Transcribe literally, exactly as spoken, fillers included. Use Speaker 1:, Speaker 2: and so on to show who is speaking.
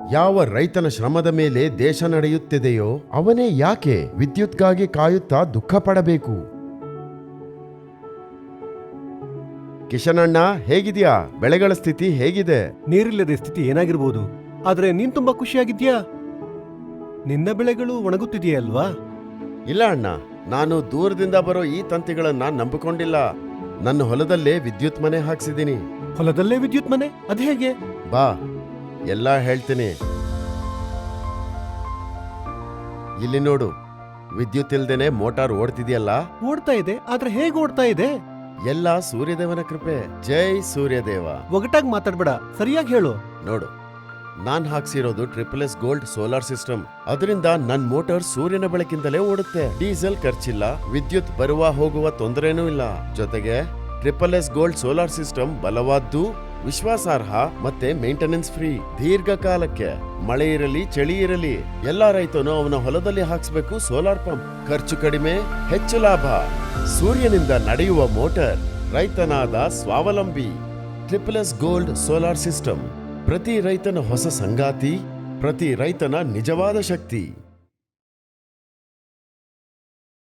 Speaker 1: ಯಾವ ರೈತನ ಶ್ರಮದ ಮೇಲೆ ದೇಶ ನಡೆಯುತ್ತಿದೆಯೋ ಅವನೇ ಯಾಕೆ ವಿದ್ಯುತ್ಗಾಗಿ ಕಾಯುತ್ತಾ ದುಃಖ ಪಡಬೇಕು? ಕಿಶನಣ್ಣ, ಹೇಗಿದ್ಯಾ? ಬೆಳೆಗಳ ಸ್ಥಿತಿ ಹೇಗಿದೆ?
Speaker 2: ನೀರಿಲ್ಲದೆ ಸ್ಥಿತಿ ಏನಾಗಿರ್ಬೋದು, ಆದ್ರೆ ನೀನ್ ತುಂಬಾ ಖುಷಿಯಾಗಿದ್ಯಾ? ನಿನ್ನ ಬೆಳೆಗಳು ಒಣಗುತ್ತಿದೆಯಲ್ವಾ?
Speaker 1: ಇಲ್ಲ ಅಣ್ಣ, ನಾನು ದೂರದಿಂದ ಬರೋ ಈ ತಂತಿಗಳನ್ನ ನಂಬಿಕೊಂಡಿಲ್ಲ. ನನ್ನ ಹೊಲದಲ್ಲೇ ವಿದ್ಯುತ್ ಮನೆ ಹಾಕ್ಸಿದೀನಿ.
Speaker 2: ಹೊಲದಲ್ಲೇ ವಿದ್ಯುತ್ ಮನೆ? ಅದ್ ಹೇಗೆ?
Speaker 1: ಬಾ, ಎಲ್ಲ ಹೇಳ್ತೀನಿ. ಇಲ್ಲಿ ನೋಡು, ವಿದ್ಯುತ್ ಇಲ್ದೇನೆ ಮೋಟಾರ್ ಓಡ್ತಿದ್ಯಲ್ಲ.
Speaker 2: ಓಡ್ತಾ ಇದೆ, ಆದ್ರೆ ಹೇಗೆ ಓಡ್ತಾ ಇದೆ?
Speaker 1: ಎಲ್ಲ ಸೂರ್ಯದೇವನ ಕೃಪೆ. ಜೈ ಸೂರ್ಯದೇವ.
Speaker 2: ಒಗಟಾಗಿ ಮಾತಾಡ್ಬೇಡ, ಸರಿಯಾಗಿ ಹೇಳು.
Speaker 1: ನೋಡು, ನಾನ್ ಹಾಕ್ಸಿರೋದು triple S gold solar system. ಅದರಿಂದ ನನ್ ಮೋಟಾರ್ ಸೂರ್ಯನ ಬೆಳಕಿಂದಲೇ ಓಡುತ್ತೆ. ಡೀಸೆಲ್ ಖರ್ಚಿಲ್ಲ, ವಿದ್ಯುತ್ ಬರುವ ಹೋಗುವ ತೊಂದರೆನೂ ಇಲ್ಲ. ಜೊತೆಗೆ triple S gold solar system ಬಲವಾದ್ದು, ವಿಶ್ವಾಸಾರ್ಹ ಮತ್ತೆ ಮೇಂಟೆನೆನ್ಸ್ ಫ್ರೀ. ದೀರ್ಘಕಾಲಕ್ಕೆ ಮಳೆ ಇರಲಿ ಚಳಿ ಇರಲಿ ಎಲ್ಲಾ ರೈತನು ಅವನ ಹೊಲದಲ್ಲಿ ಹಾಕ್ಸ್ಬೇಕು ಸೋಲಾರ್ ಪಂಪ್. ಖರ್ಚು ಕಡಿಮೆ, ಹೆಚ್ಚು ಲಾಭ. ಸೂರ್ಯನಿಂದ ನಡೆಯುವ ಮೋಟಾರ್, ರೈತನಾದ ಸ್ವಾವಲಂಬಿ. Triple S gold solar system ಪ್ರತಿ ರೈತನ ಹೊಸ ಸಂಗಾತಿ, ಪ್ರತಿ ರೈತನ ನಿಜವಾದ ಶಕ್ತಿ.